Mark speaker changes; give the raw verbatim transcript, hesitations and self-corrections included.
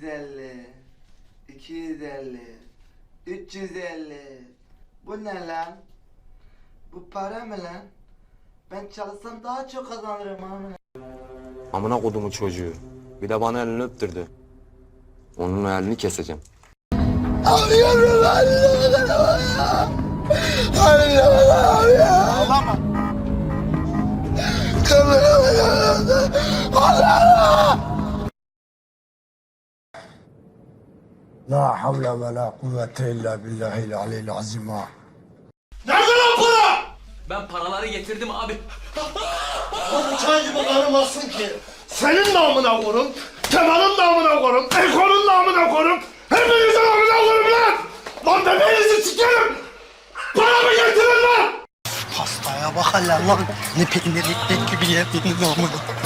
Speaker 1: yüz elli, iki yüz elli, üç yüz elli. Bu ne lan? Bu para mı lan? Ben çalışsam daha çok kazanırım amına.
Speaker 2: Amına kodumu çocuğu. Bir de bana elini öptürdü. Onun elini keseceğim.
Speaker 1: Ağlıyorum ağlıyorum ya. Ağlıyorum ya.
Speaker 3: Ağlama.
Speaker 4: La havle ve la kuvvete illa billahil aliyyil azim ha.
Speaker 3: Nerede lan para?
Speaker 5: Ben paraları getirdim abi.
Speaker 3: O bıçağı gibi kanımazsın ki. Senin namına korum, Kemal'in namına korum, Eko'nun namına korum, hepinizin namına korum lan! Lan bebeğinizi sikerim! Paramı getirin lan!
Speaker 4: Hastaya bak hele lan. Ne peynir ekmek gibi yediniz amına.